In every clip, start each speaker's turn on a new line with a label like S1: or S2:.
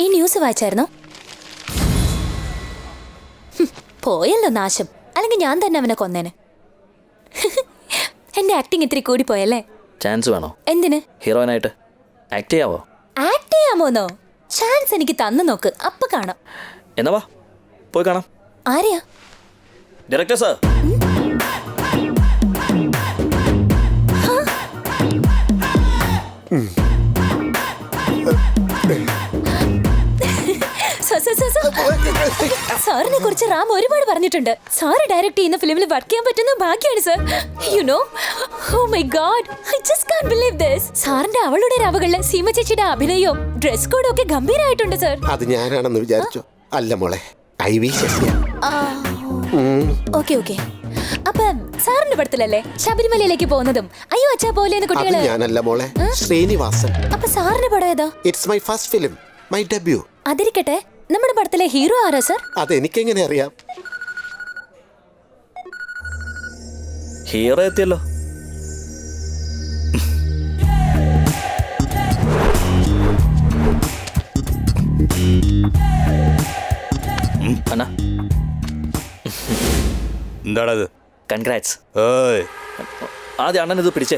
S1: ഈ ന്യൂസ് വായിച്ചായിരുന്നോ? പോയല്ലോ നാശം. അല്ലെങ്കിൽ ഞാൻ തന്നെ അവനെ കൊന്നേനെ. എന്റെ ആക്ടിങ് ഇത്തിരി കൂടി പോയല്ലേ?
S2: ചാൻസ് വേണോ?
S1: എന്തിന്?
S2: ഹീറോയിനായിട്ട് ആക്ട് ചെയ്യാവോ?
S1: ആക്ട് ചെയ്യാമോന്നോ? ചാൻസ് എനിക്ക് തന്നു നോക്ക്, അപ്പൊ കാണാം.
S2: എന്നാ വാ പോയി കാണാം.
S1: ആരെയാ?
S2: Director sir.
S1: സാറിനെ കുറിച്ച് റാം ഒരുപാട് പറഞ്ഞിട്ടുണ്ട്. സാറ് ഡയറക്ട് ചെയ്യുന്ന ഫിലിമിൽ വർക്ക് ചെയ്യാൻ പറ്റുന്ന ഭാഗ്യമാണ് sir. You know, oh my God, I just can't believe this. സാറിന്റെ അവളുടെ രാവുകളിലെ സീമ ചേച്ചിയുടെ അഭിനയവും ഡ്രസ് കോഡും ഒക്കെ ഗംഭീരമായിട്ടുണ്ട് സർ.
S3: അത് ഞാനാണെന്ന് വിചാരിച്ചു. അല്ല മോളെ,
S1: ഓക്കെ ഓക്കെ. അപ്പൊ സാറിന്റെ പടത്തിലല്ലേ ശബരിമലയിലേക്ക് പോകുന്നതും അയ്യോ അച്ഛാ പോലെ കുട്ടികള്?
S3: ഞാനല്ല മോളെ, ശ്രീനിവാസൻ.
S1: അപ്പൊ സാറിന്റെ പടം ഏതാ?
S3: It's my first film, my debut.
S1: അതിരിക്കട്ടെ, നമ്മുടെ പടത്തിലെ ഹീറോ ആരാ സർ?
S3: അതെനിക്കെങ്ങനെ അറിയാം?
S2: ഹീറോ എത്തിയല്ലോ. അണ്ണാ
S4: എന്താടാ ഇത്?
S2: കൺഗ്രാറ്റ്സ്.
S4: ഏയ്,
S2: ആദ്യം അണ്ണൻ ഇത് പിടിച്ചേ.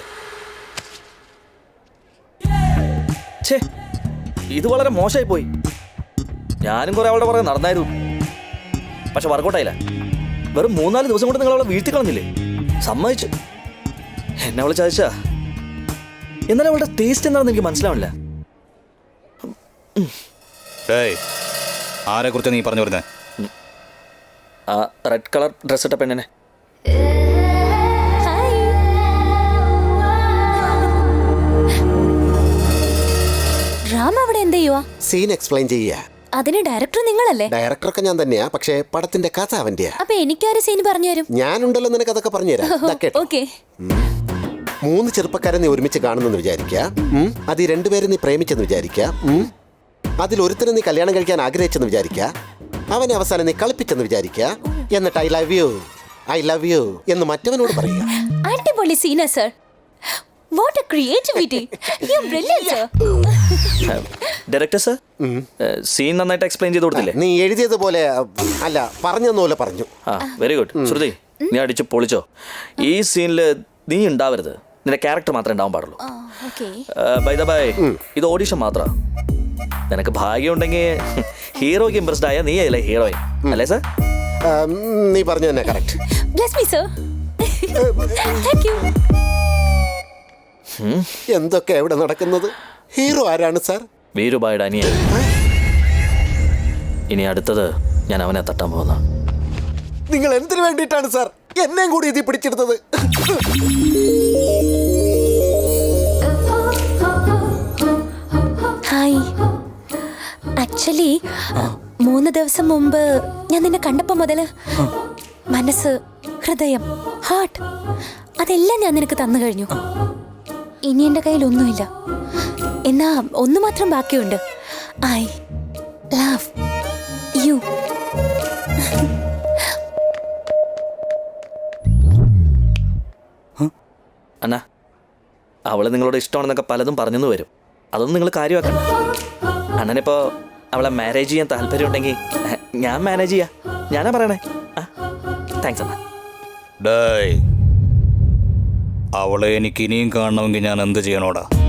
S2: ഛേ, ഇത് വളരെ മോശമായി പോയി. ഞാനും കുറെ അവളുടെ പുറകെ നടന്നായിരുന്നു, പക്ഷെ വർക്കൗട്ടായില്ല. വെറും 3-4 ദിവസം കൊണ്ട് നിങ്ങൾ അവളെ വീഴ്ത്തി കളഞ്ഞില്ലേ? സമ്മതിച്ചു, എന്നെ അവളെ ചതിച്ചാ. എന്നാലും അവളുടെ ടേസ്റ്റ് എന്താണെന്ന് എനിക്ക് മനസ്സിലാവില്ല.
S4: ആരെ കുറിച്ച് നീ പറഞ്ഞു വരുന്നേ?
S2: ആ റെഡ് കളർ ഡ്രസ് ഇട്ട പെണ്ണിനെ.
S1: റാം അവിടെ എന്ത് ചെയ്യുവാ?
S3: സീൻ എക്സ്പ്ലെയിൻ ചെയ്യാ.
S1: അതിന് ഡയറക്ടർ നിങ്ങളല്ലേ?
S3: ഡയറക്ടറൊക്കെ ഞാൻ തന്നെയാ, പക്ഷേ പടത്തിന്റെ കഥ അവന്റെയാ.
S1: അപ്പൊ എനിക്കൊരു സീൻ പറഞ്ഞു തരും?
S3: ഞാനുണ്ടല്ലോ നിനക്ക് അതൊക്കെ പറഞ്ഞുതരാം. 3 ചെറുപ്പക്കാരെ നീ ഒരുമിച്ച് കാണുന്നെന്ന് വിചാരിക്കുക. അത് ഈ 2 പേരെ നീ പ്രേമിച്ചെന്ന് വിചാരിക്കുക. അതിൽ ഒരുത്തനെ നീ കല്യാണം കഴിക്കാൻ ആഗ്രഹിച്ചെന്ന് വിചാരിക്കുക. അവനെ അവസാനം നീ കളിപ്പിച്ചെന്ന് വിചാരിക്കുക. എന്നിട്ട് ഐ ലവ് യു എന്ന് മറ്റവനോട് പറയുക.
S1: അടിപൊളി സീനാ sir. What a creativity. You're brilliant, sir.
S2: Director sir, scene നന്നായിട്ട് എക്സ്പ്ലെയിൻ ചെയ്ത് കൊടുത്തില്ലേ?
S3: നീ എഴുതിയതുപോലെ അല്ല, പറഞ്ഞതുപോലെ പറഞ്ഞു.
S2: Very good. ശ്രുതി, നീ അടിച്ച് പൊളിച്ചോ. ഈ സീനിൽ നീ ഉണ്ടാവരുത്, നിന്റെ ക്യാരക്ടർ മാത്രമേ ഉണ്ടാവാൻ പാടുള്ളൂ. ബൈ ദ ബൈ, ഇത് ഓഡിഷൻ മാത്രമാണ്. നിനക്ക് ഭാഗ്യം ഉണ്ടെങ്കിൽ ഹീറോയ്ക്ക് ഇംപ്രസ്ഡ് ആയ നീ അല്ലേ ഹീറോയിൻ, അല്ലേ സർ?
S3: നീ പറഞ്ഞു തന്നെ correct.
S1: Bless me, sir. Thank you.
S3: എന്തൊക്കെ എവിടെ നടക്കുന്നത്? ഹീറോ ആരാണ് സാർ?
S2: വീരുബായുടെ അനിയൻ. ഇനി അടുത്തത് ഞാൻ അവനെ തട്ടാൻ പോകുന്ന.
S3: നിങ്ങൾ എന്തിനു വേണ്ടിയിട്ടാണ് സാർ എന്നെയും കൂടി ഇതിൽ പിടിച്ചെടുത്തത്?
S1: ഹായ്, ആക്ച്വലി 3 ദിവസം മുമ്പ് ഞാൻ നിന്നെ കണ്ടപ്പോ മുതല് മനസ്സ്, ഹൃദയം, ഹാർട്ട് അതെല്ലാം ഞാൻ നിനക്ക് തന്നു കഴിഞ്ഞു. ഇനി എൻ്റെ കയ്യിൽ ഒന്നുമില്ല. എന്നാ ഒന്ന് മാത്രം ബാക്കിയുണ്ട്. I love you.
S2: അണ്ണാ, അവളെ നിങ്ങളോട് ഇഷ്ടമാണെന്നൊക്കെ പലതും പറഞ്ഞെന്ന് വരും. അതൊന്നും നിങ്ങൾ കാര്യമാക്കണ്ട. അണ്ണനിപ്പോൾ അവളെ മാരേജ് ചെയ്യാൻ താല്പര്യം ഉണ്ടെങ്കിൽ ഞാൻ മാനേജ് ചെയ്യാം. ഞാനാ പറയണേ. താങ്ക്സ് അണ്ണാ.
S4: അവളെ എനിക്ക് ഇനിയും കാണണമെങ്കിൽ ഞാൻ എന്ത് ചെയ്യണോടാ?